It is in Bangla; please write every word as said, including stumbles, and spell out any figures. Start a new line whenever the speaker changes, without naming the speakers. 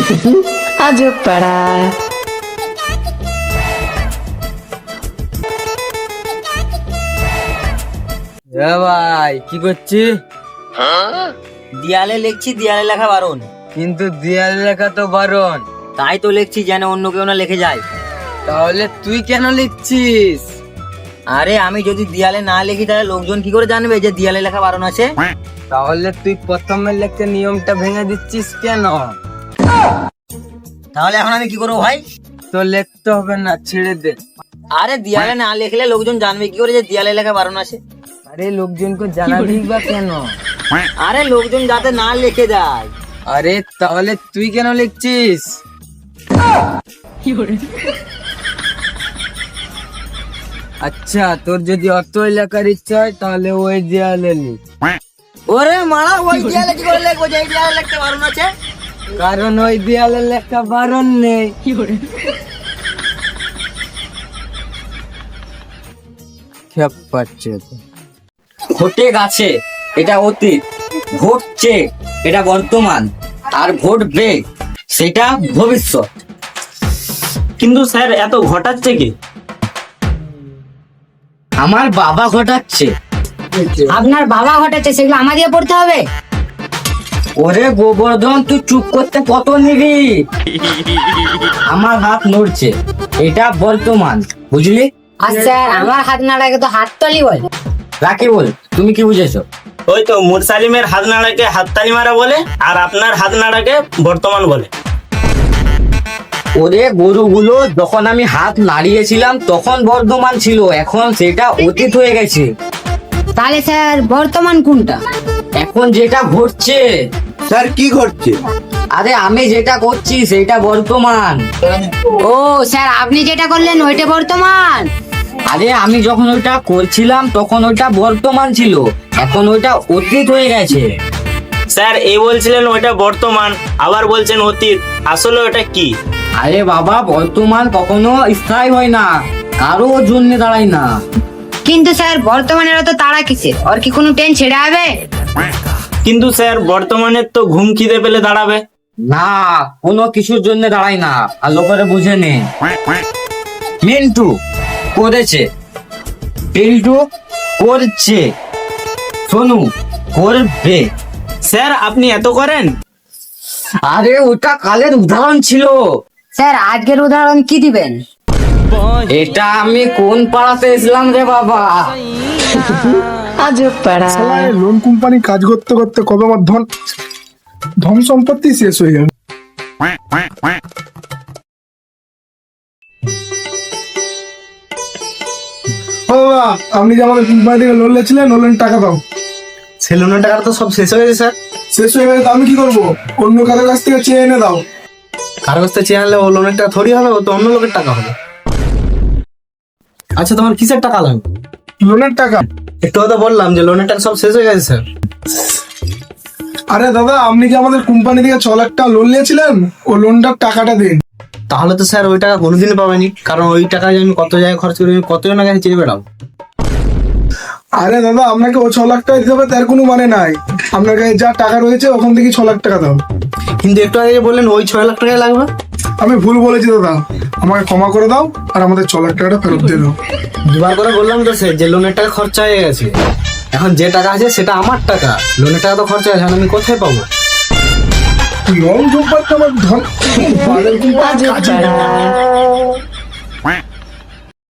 আজব পাড়া।
ভাই কি করছি?
দেয়ালে লিখছি, দেয়ালে লেখা বারণ।
কিন্তু দেয়ালে লেখা তো বারণ।
তাই তো লিখছি যেন অন্য কেউ না লিখে যায়।
তাহলে তুই কেন লিখছিস?
আরে আমি যদি দেয়ালে না লিখি তাহলে লোকজন কি করে জানবে যে দেয়ালে লেখা বারণ আছে?
তাহলে তুই প্রথমে লিখতে নিয়মটা ভেঙে দিচ্ছিস কেন?
তাহলে এখন আমি কি করবো ভাই?
তো লিখতে হবে না, ছেড়ে দে।
আরে দেয়ালে না লিখলে লোকজন জানবে কি করে যে দেয়ালে লেখা বারণ আছে?
আরে লোকজনকে জানাবি বা কেন?
আরে লোকজন যাতে না লিখে দেয়।
আরে তাহলে তুই কেন লিখছিস? আচ্ছা, তোর যদি অত লেখার ইচ্ছা হয় তাহলে ওই দেয়ালে লিখ।
ওরে মারা, ওই দেয়ালে কি করে লিখবো যে এই দেয়ালে লিখতে বারণ আছে?
কারণ ওই দেয়ালে লেখা বারণ নেই। খেপ পাচ্ছে তো।
ঘটে গেছে এটা অতীত, ঘটছে এটা বর্তমান, আর ঘটবে সেটা ভবিষ্যৎ।
কিন্তু স্যার এত ঘটাচ্ছে কি?
আমার বাবা ঘটাচ্ছে।
আপনার বাবা ঘটাচ্ছে, সেগুলো আমাদের পড়তে হবে?
ওরে গোবর্ধন, তুই চুপ করতে কত নিবি? আমার হাত নড়ছে, এটা বর্তমান, বুঝলি?
আর স্যার আমার হাত নাড়াকে তো হাততালি বলে।
রাখি বল, তুমি কি বুঝেছো?
ওই তো মুরসালিমের হাত নাড়াকে হাততালি মারা বলে, আর আপনার হাত নাড়াকে বর্তমান বলে।
ওরে গরুগুলো, যখন আমি হাত নাড়িয়েছিলাম তখন বর্তমান ছিল, এখন সেটা অতীত হয়ে গেছে।
তাহলে স্যার বর্তমান কোনটা?
এখন যেটা ঘটছে।
স্যার কি ঘটছে?
আরে আমি যেটা করছি সেটা বর্তমান।
ও স্যার, আপনি যেটা করলেন ওইটা বর্তমান?
আরে আমি যখন ওইটা করছিলাম তখন ওইটা বর্তমান ছিল, এখন ওইটা অতীত হয়ে গেছে।
স্যার এই বলছিলেন ওইটা বর্তমান, আবার বলছেন অতীত, আসলে ওটা কি?
আরে বাবা, বর্তমান কখনো স্থায়ী হয় না, কারো জন্য দাঁড়ায় না।
কিন্তু স্যার বর্তমানের তো তারা কিসের? ওর কি কোনো ট্রেন ছেড়ে হবে?
কিন্তু স্যার বর্তমানের তো ঘুম খিদে পেলে দাঁড়াবে।
না, কোনো কিছুর জন্য দাঁড়ায় না, আর লোকেরা বুঝে নে। মিন্টু করেছে, পিন্টু করছে, সোনু করবে।
স্যার আপনি এত করেন?
আরে ওটা কালের উদাহরণ ছিল।
স্যার আজকের উদাহরণ কি দিবেন?
এটা আমি কোন পাড়াতে এসলাম রে বাবা?
আজব পাড়া।
লোন কোম্পানি কাজ করতে করতে কবে আমার ধন ধন সম্পত্তি শেষ হয়ে গেল। ও বাবা, আপনি যে আমাদের কোম্পানি থেকে লোন নিয়েছিলেন, লোনের টাকা দাও।
সে লোনের টাকা তো সব শেষ হয়ে গেছে স্যার।
শেষ হয়ে গেলে তো আমি কি করবো? অন্য কারোর কাছ থেকে চেয়ে এনে দাও।
কার কাছ থেকে চেয়ে আনলে ও লোনের টাকা থরি হবে, ও তো অন্য লোকের টাকা হবে। আচ্ছা তোমার কিসের টাকা লাগবে?
লোনের টাকা?
একটু কথা বললাম যে লোনের টাকা সব শেষ হয়ে গেছে স্যার।
আরে দাদা, আপনি কি আমাদের কোম্পানি থেকে ছ লাখ টাকা লোন নিয়েছিলেন? ও লোনটার টাকাটা দিন।
তাহলে তো স্যার ওই টাকা কোনোদিনই পাবেনি, কারণ ওই টাকা যে আমি কত জায়গায় খরচ করি, আমি কতজনের কাছে চেয়ে বেড়াবো।
আরে দাদা, আপনাকে ও ছ লাখ টাকা দিতে হবে তার কোনো মানে নাই। আপনার কাছে যা টাকা রয়েছে ওখান থেকে ছ লাখ টাকা দাও।
কিন্তু একটু আগে যে বললেন ওই ছয় লাখ টাকাই লাগবে।
আমি ভুল বলেছি দাদা, আমাকে ক্ষমা করে দাও আর আমাদের ছ লাখ টাকাটা ফেরত দিয়ে দাও।
দুবার করে বললাম তো স্যার যে লোনের টাকা খরচা হয়ে গেছে, এখন যে টাকা আছে সেটা আমার টাকা, লোনের টাকা তো খরচা হয়েছে, এখন আমি কোথায় পাবো?
লোন কোম্পানি আমার ধন বালের কোম্পানি
আজব
কাজে
পাড়া।